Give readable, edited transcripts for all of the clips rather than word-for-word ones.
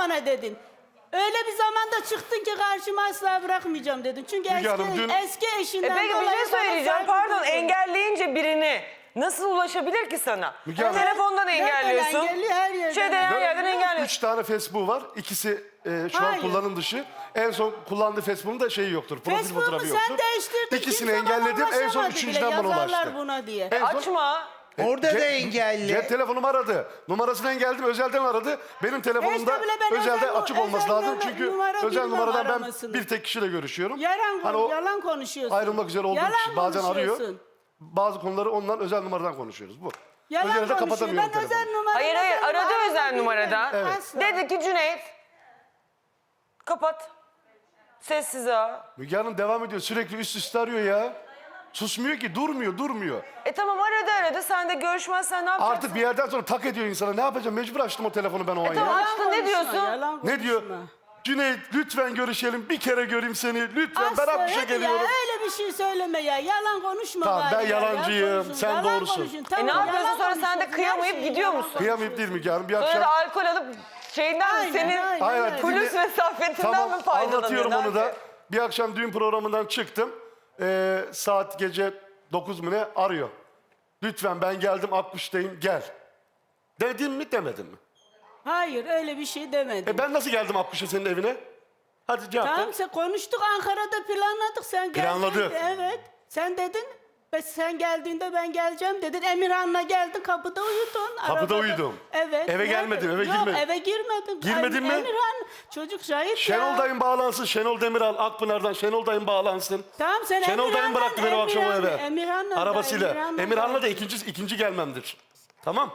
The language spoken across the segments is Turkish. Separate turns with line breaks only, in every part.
bana dedin. Öyle bir zamanda çıktın ki karşıma asla bırakmayacağım dedin. Çünkü eski eşinden
Peki bir
dolayı
şey
bana
söyleyeceğim.
saygı
Pardon,
duyuyorum.
engelleyince birini nasıl ulaşabilir ki sana?
Müge Hanım.
Telefondan
Nereden
engelliyorsun.
engelliyor? Her yerden.
Her yerden engelliyorsun.
3 tane Facebook var. İkisi şu an
Hayır.
kullanım dışı. En son kullandığı Facebook'un da şeyi yoktur. Profil
Facebook'u
fotoğrafı yoktur.
sen değiştirdin.
İkisini
Kimse bana
engelledim. En son
ulaşamadı
üçüncüden
bile,
bana ulaştı.
yazarlar buna diye.
En son-
Açma.
Orada da engelli.
Cep telefonumu aradı. Numarasını engelledim. Özelden aradı. Benim telefonumda
İşte bile ben
özelde açık olması lazım. Çünkü
numara
özel
bilmem
numaradan ben
aramasını.
bir tek kişiyle görüşüyorum.
Yalan,
o
yalan konuşuyorsun.
ayrılmak üzere olduğu
Yalan
kişi bazen arıyor.
konuşuyorsun.
Bazı konuları ondan özel numaradan konuşuyoruz. Bu.
Yalan
Özelde
konuşuyor.
kapatamıyorum
Ben özel
telefonu.
numara...
Hayır aradı özel numaradan.
Evet.
Dedi ki Cüneyt kapat. Sessiz ha.
Müge Hanım devam ediyor. Sürekli üst üste arıyor ya. Susmuyor ki. Durmuyor.
Tamam aradı. Sen de görüşmezsen ne yapacaksın?
Artık bir yerden sonra tak ediyor insana. Ne yapacağım? Mecbur açtım o telefonu ben o an
tamam.
ya.
Açtın, ne diyorsun?
Ne diyor? Cüneyt lütfen görüşelim. Bir kere göreyim seni. Lütfen ben
Asla
Akbuş'a
hadi
geliyorum.
ya, öyle bir şey söyleme ya. Yalan konuşma
Tamam,
bari
ben
ya.
yalancıyım,
Yalan
sen
yalan
doğrusun.
konuşun.
Ne
Tamam,
yapıyorsun
yalan
sonra sen de
konuşuyorsun.
kıyamayıp
Her şeyi
gidiyor
yalan
musun?
Kıyamayıp değil Müge Hanım. Bir
Sonra
akşam...
da alkol alıp şeyinden
Aynen,
senin
aynen,
Hayır,
aynen.
Hulusi mesafetinden
Tamam
mi faydalanıyorsun?
anlatıyorum onu da.
abi?
Bir akşam düğün programından çıktım. Saat gece 9 mu ne arıyor. Lütfen ben geldim Akbuş'tayım gel. Dedim mi demedim mi?
Hayır öyle bir şey demedim.
Ben nasıl geldim Akbuş'a senin evine? Hadi cevap ver.
Tamam sen konuştuk Ankara'da planladık sen geldin.
Planladı.
Evet sen dedin. Ve sen geldiğinde ben geleceğim dedin. Emirhan'la geldin kapıda uyudun.
Kapıda
arabada.
uyudum.
Evet.
Eve gelmedim, eve
Yok,
girmedim.
eve girmedim.
Girmedin mi?
Emirhan çocuk şahit ya.
Şenol dayım bağlansın. Şenol Demiral Akpınar'dan Şenol dayım bağlansın.
Tamam sen
Şenol dayım bıraktı beni o akşam o eve.
Emirhan'la
Arabasıyla. Emirhan'la da ikinci gelmemdir. Tamam.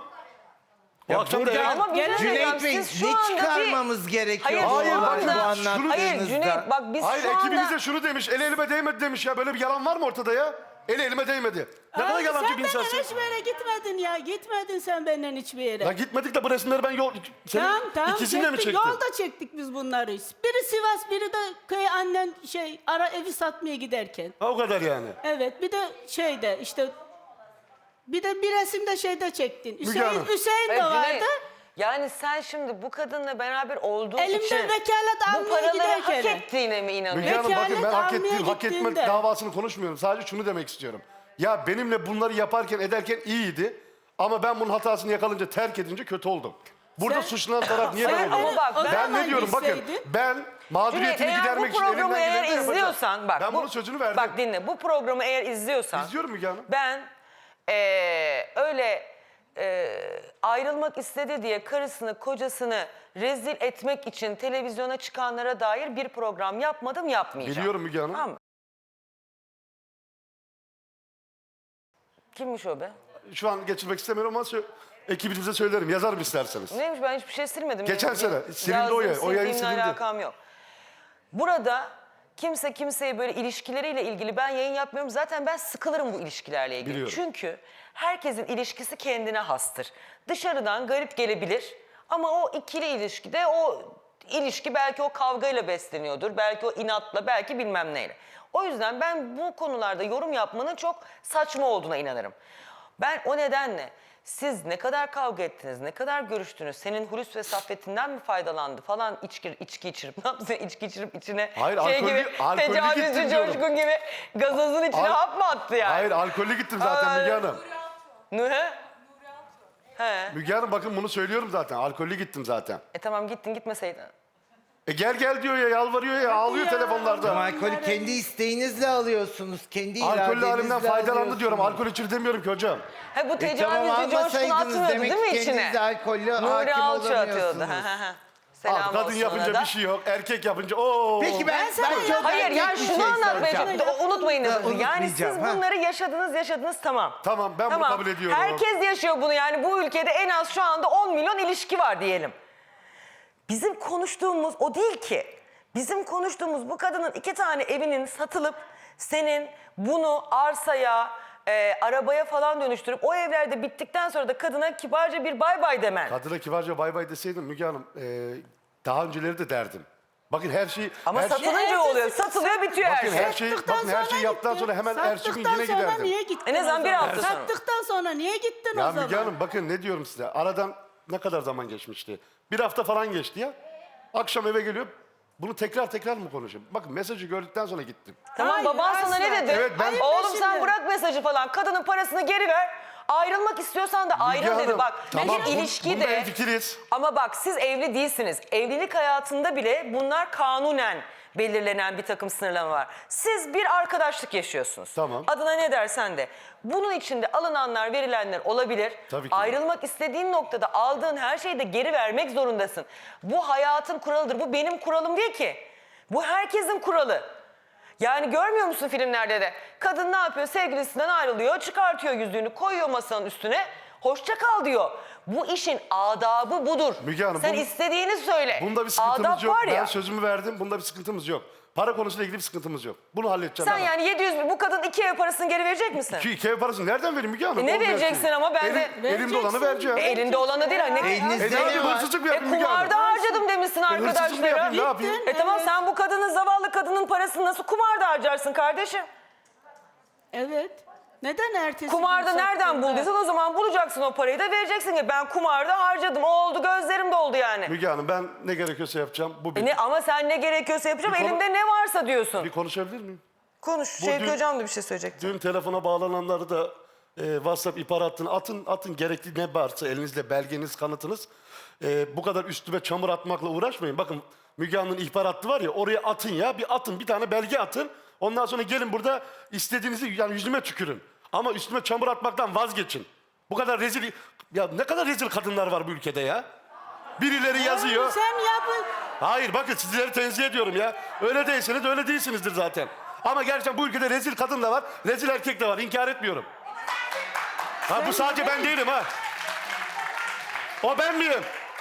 O akşam da eve...
Ama bir şey
Cüneyt
söyleyeceğim,
Bey
siz şu
ne
anda bir-
çıkarmamız gerekiyor?
Hayır,
bu
bakın,
bu
şunu-
anlattığınızda?
Hayır Cüneyt bak biz
Hayır
şu anda...
ekibiniz de şunu demiş. El elime değmedi demiş ya. Böyle bir yalan var mı ortada ya? El elime değmedi. Ne kadar yalancı bir
Sen
insansın.
benden hiçbir yere gitmedin ya. Gitmedin sen benden hiçbir yere.
Ya gitmedik de bu resimleri ben senin
Tamam
ikisini de mi
çektik.
çektin?
Yolda çektik biz bunları. Biri Sivas biri de köy annen ara evi satmaya giderken.
Ha o kadar yani.
Evet bir de şeyde işte bir de bir resimde şeyde çektin.
Müge Hanım.
Hüseyin de
Hayır, Cüneyt,
vardı.
yani sen şimdi bu kadınla beraber olduğun
Elimden
için
vekalet
bu
almaya
paraları hak
giderken.
ettiğine mi
Müge
inanıyorsun?
Hanım bakın ben
Vekalet
hak
almaya
ettiğim, hak etme
gittiğinde.
davasını konuşmuyorum. Sadece şunu demek istiyorum. Ya benimle bunları yaparken ederken iyiydi. Ama ben bunun hatasını yakalayınca terk edince kötü oldum. Burada
Sen-
suçlanan taraf niye
Hayır,
ben
ama
oldum?
bak,
O
ben
Ben
zaman
ne diyorum bakın
gitseydin.
ben mağduriyetimi
Cüneyt, eğer
gidermek
bu
için elimden
programı eğer
geleni yapacağım.
izliyorsan bak
Ben
bu-
bunun sözünü verdim.
Bak dinle bu programı eğer izliyorsan
İzliyorum Müge Hanım.
ben öyle ayrılmak istedi diye karısını kocasını rezil etmek için televizyona çıkanlara dair bir program yapmadım yapmayacağım.
Biliyorum Müge Hanım.
Tamam mı? Kimmiş o be?
Şu an geçirmek istemiyorum ama ekibinize söylerim. Yazarım isterseniz.
Neymiş ben hiçbir şey silmedim.
Geçen
Benim
sene silindi o yayın. O yayın
sildiğimle
silindi.
alakam yok. Burada kimse kimseye böyle ilişkileriyle ilgili ben yayın yapmıyorum. Zaten ben sıkılırım bu ilişkilerle ilgili.
Biliyorum.
Çünkü herkesin ilişkisi kendine hastır. Dışarıdan garip gelebilir ama o ikili ilişkide o ilişki belki o kavgayla besleniyordur. Belki o inatla, belki bilmem neyle. O yüzden ben bu konularda yorum yapmanın çok saçma olduğuna inanırım. Ben o nedenle siz ne kadar kavga ettiniz, ne kadar görüştünüz, senin Hulusi ve Saffet'inden mi faydalandı falan içki içirip, ne yaptın içki içirip içine
Hayır,
şey
alkollü-
gibi,
alkollü
tecavüzcü
gittim diyorum.
coşkun gibi gazozun içine hap mı attı yani?
Hayır alkollü gittim zaten Müge Hanım.
Ne? He.
Müge Hanım bakın bunu söylüyorum zaten. Alkollü gittim zaten.
Tamam gittin gitmeseydin.
Gel diyor ya yalvarıyor ya ağlıyor
ya.
telefonlarda.
Ama alkolü kendi isteğinizle alıyorsunuz. Kendi
Alkollü
iradenizle
halimden faydalandı
alıyorsunuz.
diyorum. Alkol içir demiyorum ki hocam.
He bu
Tamam
tecavüzcü coşkun
almasaydınız
atmıyordu
demek
değil mi
ki
içine?
kendiniz alkollü
Nuri
hakim
Alçı atıyordu.
olamıyorsunuz.
Selam
Kadın
olsun
yapınca
ona da.
bir şey yok. Erkek yapınca ooo.
Peki ben
sana
çok
Hayır
erkek
ya
bir
şunu
şey
anlatmaya
soracağım.
çalışıyorum. Unutmayın.
Ha,
Yani siz
unutmayacağım, ha.
bunları yaşadınız tamam.
Tamam, ben bunu kabul ediyorum.
Herkes yaşıyor bunu yani bu ülkede en az şu anda 10 milyon ilişki var diyelim. Bizim konuştuğumuz o değil ki. Bizim konuştuğumuz bu kadının 2 tane evinin satılıp senin bunu arsaya, arabaya falan dönüştürüp o evlerde bittikten sonra da kadına kibarca bir bay bay demen.
Kadına kibarca bay bay deseydim Müge Hanım daha önceleri de derdim. Bakın her şey...
Ama
her
satılınca oluyor. Satılıyor bitiyor her
Bakın
şey.
her şeyi, bakın her şeyi yaptıktan sonra hemen ertesi gün yine
sonra
giderdim.
niye gittin
En azından
o
bir
zaman?
hafta sonra.
Sattıktan sonra niye gittin
Ya
o zaman?
Müge Hanım bakın ne diyorum size. Aradan ne kadar zaman geçmişti? Bir hafta falan geçti ya. Akşam eve geliyor. Bunu tekrar mı konuşayım? Bakın mesajı gördükten sonra gittim.
Tamam,
Hayır,
baban sana ne
asla.
dedi?
Evet, ben-
Oğlum sen
Şimdi.
bırak mesajı falan. Kadının parasını geri ver. Ayrılmak istiyorsan da ayrıl
Müge
dedi.
Hanım,
Bak
tamam,
bir ilişki
bunda
de...
hemfikiriz.
Ama bak siz evli değilsiniz. Evlilik hayatında bile bunlar kanunen belirlenen bir takım sınırlama var. Siz bir arkadaşlık yaşıyorsunuz.
Tamam.
Adına ne dersen de. Bunun içinde alınanlar, verilenler olabilir.
Tabii ki.
Ayrılmak istediğin noktada aldığın her şeyi de geri vermek zorundasın. Bu hayatın kuralıdır. Bu benim kuralım değil ki. Bu herkesin kuralı. Yani görmüyor musun filmlerde de? Kadın ne yapıyor? Sevgilisinden ayrılıyor, çıkartıyor yüzüğünü, koyuyor masanın üstüne. Hoşça kal diyor. Bu işin adabı budur.
Müge Hanım,
Sen
bunun-
istediğini söyle.
Bunda bir sıkıntımız
Adap
yok.
var ya.
Ben sözümü verdim. Bunda bir sıkıntımız yok. Para konusuyla ilgili bir sıkıntımız yok. Bunu halledeceğim.
Sen
ben.
yani 700 bin bu kadın 2 ev parasını geri verecek misin?
Şu iki ev parasını nereden vereyim Müge Hanım?
Ne
Olmayan
vereceksin
şey.
ama ben de-
Elimde olanı
Vereceksin.
vereceğim.
Elinde olanı değil. Ne?
Elinizde
Ne
ne
yapayım?
var?
Hırsızlık mı yapayım Müge Hanım?
Kumarda harcadım demişsin
Hırsızlık mı
arkadaşlara.
yapayım? Ne yapayım?
Tamam
Evet.
sen bu kadının, zavallı kadının parasını nasıl kumarda harcarsın kardeşim?
Evet. Neden ertesi
Kumarda
gün
nereden
sattığında?
bulduysan o zaman bulacaksın o parayı da vereceksin ki ben kumarda harcadım. O oldu, gözlerim doldu yani.
Müge Hanım ben ne gerekiyorsa yapacağım. Bu bir,
Ama sen ne gerekiyorsa yapacağım,
Bir konu-
elimde ne varsa diyorsun.
bir konuşabilir miyim?
Konuş. Şevki
dün-
Hocam da bir şey söyleyecekti.
Dün telefona bağlananları da WhatsApp ihbar hattını atın gerekli ne varsa elinizde belgeniz, kanıtınız. Bu kadar üstüme çamur atmakla uğraşmayın. Bakın Müge Hanım'ın ihbar hattı var ya oraya atın ya bir tane belge atın. Ondan sonra gelin burada istediğinizi yani yüzüme tükürün. Ama üstüme çamur atmaktan vazgeçin. Bu kadar rezil ya ne kadar rezil kadınlar var bu ülkede ya. Birileri yazıyor.
Sen yapın.
Hayır bakın sizleri tenzih ediyorum ya. Öyle değilseniz öyle değilsinizdir zaten. Ama gerçekten bu ülkede rezil kadın da var, rezil erkek de var. İnkar etmiyorum. Ha bu sadece ben değilim ha. O ben miyim?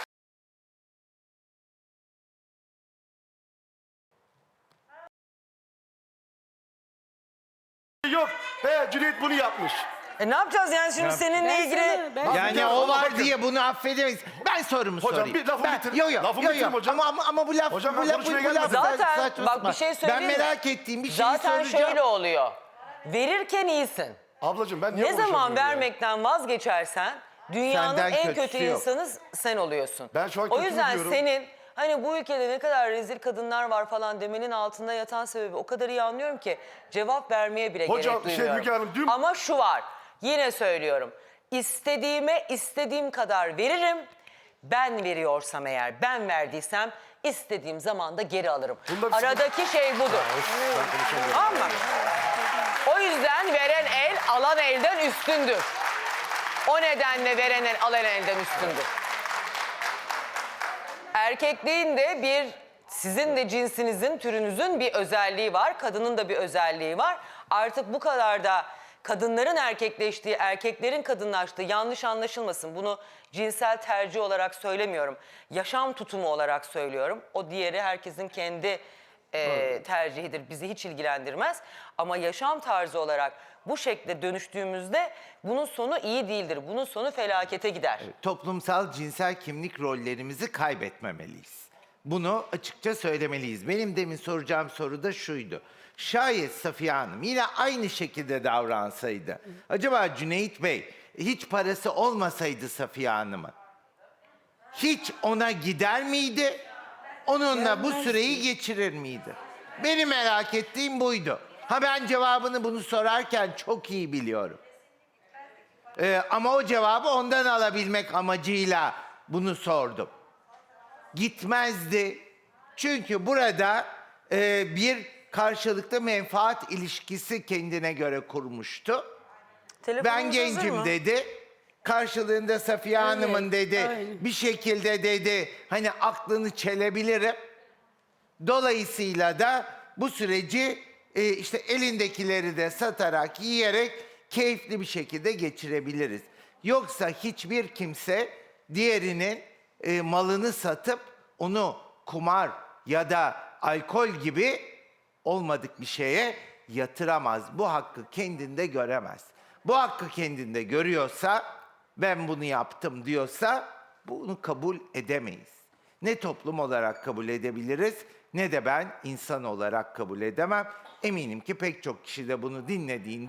Yok. Cüneyt bunu yapmış.
Ne yapacağız yani şimdi seninle
Ben
ilgili?
Yani
Ya,
o
ama
var
bakın.
diye bunu affedemeyiz. Ben sorumu
Hocam,
sorayım.
bir lafımı bitir.
Yo,
Lafımı bitireyim hocam.
Ama bu laf,
Hocam,
bu
ben
laf,
konuşmaya
bu laf
gelmedim.
Zaten
saçma
bak
sapan.
bir şey söyleyeyim
Ben
mi?
merak ettiğim bir şey
Zaten
soracağım.
şöyle oluyor. Verirken iyisin.
Ablacığım ben niye
Ne zaman
konuşamıyorum ya?
vermekten vazgeçersen dünyanın
Senden
en
kötüsü
kötü
yok.
insanı sen oluyorsun.
Ben şu an
O
kötü
yüzden
diyorum.
senin hani bu ülkede ne kadar rezil kadınlar var falan demenin altında yatan sebebi o kadar iyi anlıyorum ki cevap vermeye bile
Hocam,
gerek duymuyorum.
Müge Hanım, dün-
Ama şu var, yine söylüyorum. İstediğime istediğim kadar veririm. Ben veriyorsam eğer, ben verdiysem istediğim zaman da geri alırım.
Bunda bir
Aradaki şey budur.
Ben konuşamıyorum.
Tamam mı? O yüzden veren el alan elden üstündür. O nedenle veren el alan elden üstündür. Erkekliğin de bir, sizin de cinsinizin, türünüzün bir özelliği var. Kadının da bir özelliği var. Artık bu kadar da kadınların erkekleştiği, erkeklerin kadınlaştığı yanlış anlaşılmasın. Bunu cinsel tercih olarak söylemiyorum. Yaşam tutumu olarak söylüyorum. O diğeri herkesin kendi tercihidir. Bizi hiç ilgilendirmez. Ama yaşam tarzı olarak bu şekilde dönüştüğümüzde bunun sonu iyi değildir. Bunun sonu felakete gider.
Toplumsal cinsel kimlik rollerimizi kaybetmemeliyiz. Bunu açıkça söylemeliyiz. Benim demin soracağım soru da şuydu. Şayet Safiye Hanım yine aynı şekilde davransaydı, acaba Cüneyt Bey hiç parası olmasaydı Safiye Hanım'ın, hiç ona gider miydi? Onunla bu süreyi geçirir miydi? Benim merak ettiğim buydu. Ha ben cevabını bunu sorarken çok iyi biliyorum. Ama o cevabı ondan alabilmek amacıyla bunu sordum. Gitmezdi. Çünkü burada bir karşılıklı menfaat ilişkisi kendine göre kurmuştu. Ben
Telefonunuz hazır
gencim
mı?
dedi. Karşılığında Safiye Hanım'ın dedi
aynen.
bir şekilde dedi hani aklını çelebilirim. Dolayısıyla da bu süreci işte elindekileri de satarak yiyerek keyifli bir şekilde geçirebiliriz. Yoksa hiçbir kimse diğerinin malını satıp onu kumar ya da alkol gibi olmadık bir şeye yatıramaz. Bu hakkı kendinde göremez. Bu hakkı kendinde görüyorsa, ben bunu yaptım diyorsa bunu kabul edemeyiz. Ne toplum olarak kabul edebiliriz ne de ben insan olarak kabul edemem. Eminim ki pek çok kişi de bunu dinlediğinde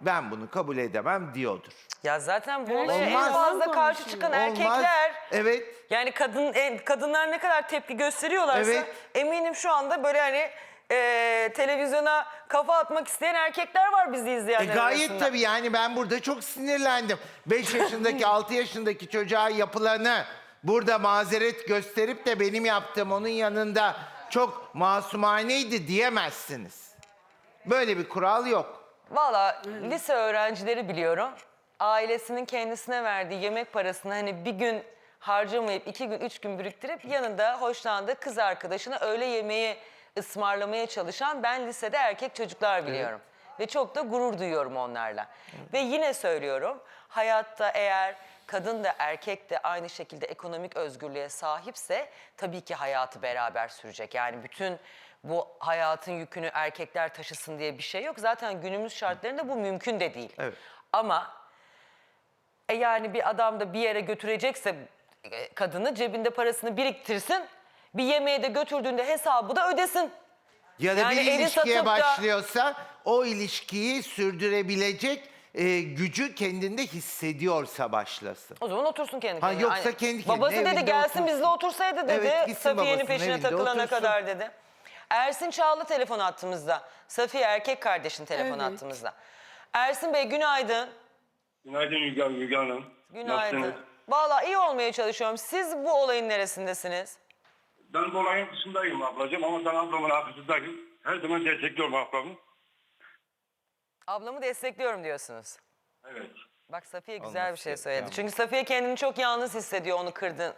ben bunu kabul edemem diyordur.
Ya zaten bu olaya en
Olmaz.
fazla karşı
Konuşuyor.
çıkan
Olmaz.
erkekler.
Evet.
Yani kadınlar ne kadar tepki gösteriyorlarsa
Evet.
eminim şu anda böyle hani televizyona kafa atmak isteyen erkekler var bizi izleyenler
Gayet
arasında.
tabii, yani ben burada çok sinirlendim. 5 yaşındaki 6 yaşındaki çocuğa yapılanı burada mazeret gösterip de benim yaptığım onun yanında çok masumaneydi diyemezsiniz. Böyle bir kural yok.
Valla lise öğrencileri biliyorum. Ailesinin kendisine verdiği yemek parasını hani bir gün harcamayıp 2 gün 3 gün biriktirip yanında hoşlandığı kız arkadaşına öğle yemeği ısmarlamaya çalışan ben lisede erkek çocuklar biliyorum. Ve çok da gurur duyuyorum onlarla. Ve yine söylüyorum, hayatta eğer kadın da erkek de aynı şekilde ekonomik özgürlüğe sahipse tabii ki hayatı beraber sürecek. Yani bütün bu hayatın yükünü erkekler taşısın diye bir şey yok. Zaten günümüz şartlarında bu mümkün de değil.
Evet.
Ama yani bir adam da bir yere götürecekse kadını cebinde parasını biriktirsin. Bir yemeğe de götürdüğünde hesabı da ödesin.
Ya da
Yani
bir
eli
ilişkiye
satıp da-
başlıyorsa o ilişkiyi sürdürebilecek gücü kendinde hissediyorsa başlasın.
O zaman otursun kendi
Ha,
kendine.
yoksa
Aynen.
kendi kendine
Babası dedi
evinde
gelsin
otursun.
bizle otursaydı dedi.
Evet, gitsin
Safiye'nin
babasının
peşine
evinde
takılana
otursun.
kadar dedi. Ersin Çağlı telefon attığımızda. Safiye erkek kardeşin telefon
Evet.
attığımızda. Ersin Bey günaydın.
Günaydın Müge Hanım.
Günaydın.
Nasılsınız?
Vallahi iyi olmaya çalışıyorum. Siz bu olayın neresindesiniz?
Ben bu olayın dışındayım ablacığım ama ben ablamın arkasındayım. Her zaman destekliyorum ablamı.
Ablamı destekliyorum diyorsunuz.
Evet.
Bak Safiye güzel
Olması
bir şey
gereken
söyledi.
bu.
Çünkü Safiye kendini çok yalnız hissediyor onu kırdın.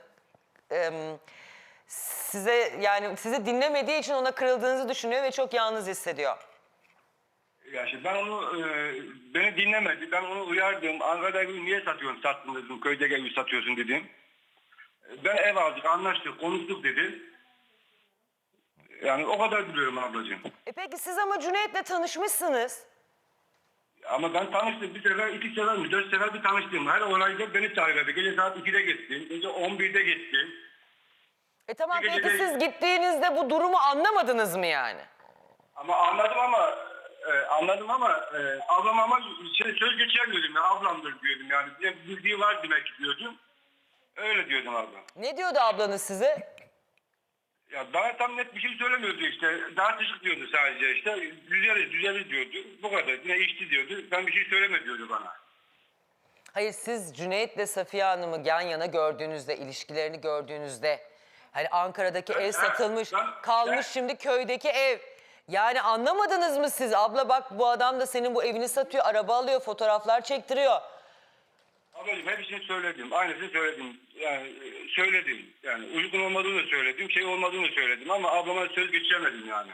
Sizi dinlemediği için ona kırıldığınızı düşünüyor ve çok yalnız hissediyor.
Ya şimdi ben onu, beni dinlemedi. Ben onu uyardım. Ankara'da evi niye satıyorsun? Sattın dedim. Köyde evi satıyorsun dedim. Ben ev aldık, anlaştık, konuştuk dedi. Yani o kadar biliyorum ablacığım.
Peki siz ama Cüneyt'le tanışmışsınız.
Ama ben tanıştım. Bir sefer, 2 sefer mi, 4 sefer bir tanıştım. Her olayda beni çağırdı. Gece saat 2'de gittim. Gece 11'de gittim.
Tamam
Bir
peki
gece-
siz gittiğinizde bu durumu anlamadınız mı yani?
Ama anladım ama ablam ama söz geçirmiyordum ya, ablamdır diyordum yani. Bir bildiği var demek ki diyordum. Öyle diyordum abla.
Ne diyordu ablanız size?
Ya bana tam net bir şey söylemiyordu işte. Tartışık diyordu sadece işte. Düzeliz diyordu. Bu kadar. Yine içti diyordu. Ben bir şey söyleme diyordu bana.
Hayır siz Cüneyt'le Safiye Hanım'ı yan yana gördüğünüzde, ilişkilerini gördüğünüzde hani Ankara'daki ev satılmış, kalmış şimdi köydeki ev. Yani anlamadınız mı siz? Abla bak bu adam da senin bu evini satıyor, araba alıyor, fotoğraflar çektiriyor.
Ablacığım hepsini söyledim. Aynısını söyledim. Yani söyledim. Yani uygun olmadığını söyledim. Şey olmadığını söyledim ama ablama söz geçiremedim yani.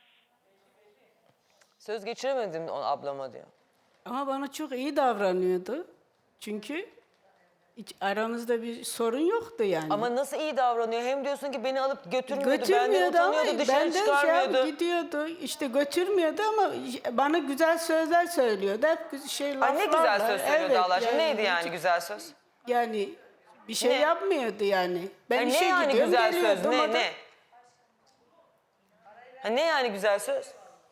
Söz geçiremedim ablama diyor.
Ama bana çok iyi davranıyordu. Çünkü hiç aramızda bir sorun yoktu yani.
Ama nasıl iyi davranıyor? Hem diyorsun ki beni alıp götürmüyordu, benden
götürmüyordu ama
utanıyordu, dışarı
benden
çıkarmıyordu.
gidiyordu. İşte götürmüyordu ama bana güzel sözler söylüyordu. Hep laflarla.
Ay ne güzel söz söylüyordu
Evet,
Allah aşkına. Neydi yani
hiç-
güzel söz?
Yani bir şey
Ne?
yapmıyordu yani. Ben
Ha,
işe
ne yani
gidiyorum,
güzel söz?
geliyordum, o da-
Ne? Ha, ne yani güzel söz?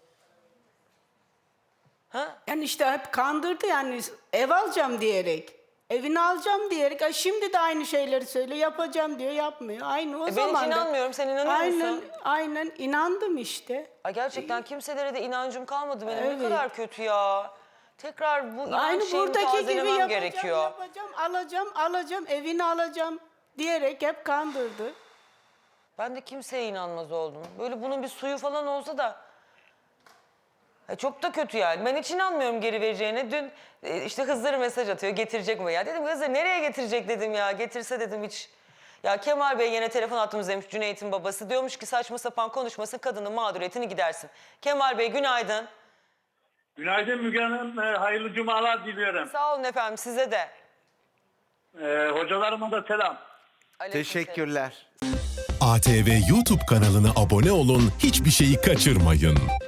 Ha?
Yani işte hep kandırdı yani ev alacağım diyerek. Evini alacağım diyerek. Ay şimdi de aynı şeyleri söylüyor. Yapacağım diyor, yapmıyor. Aynı o
Ben hiç
zaman da.
inanmıyorum. Sen inanıyor musun?
Aynen inandım işte.
Ay gerçekten kimselere de inancım kalmadı benim. Ne
Evet.
kadar kötü ya. Tekrar bu inanç
Aynı
şeyini
buradaki gibi
tazelemem
yapacağım,
gerekiyor.
alacağım, evini alacağım diyerek hep kandırdı.
Ben de kimseye inanmaz oldum. Böyle bunun bir suyu falan olsa da. Çok da kötü yani. Ben hiç inanmıyorum geri vereceğine. Dün işte Hızır mesaj atıyor. Getirecek mi ya? Dedim Hızır nereye getirecek dedim ya. Getirse dedim hiç. Ya Kemal Bey yine telefon attığımızdaymış Cüneyt'in babası. Diyormuş ki saçma sapan konuşmasın kadının mağduriyetini gidersin. Kemal Bey günaydın.
Günaydın Müge Hanım. Hayırlı cumalar diliyorum.
Sağ olun efendim size de.
Hocalarıma da selam.
Aleykümselam.
Teşekkürler.
ATV YouTube kanalına abone olun, hiçbir şeyi kaçırmayın.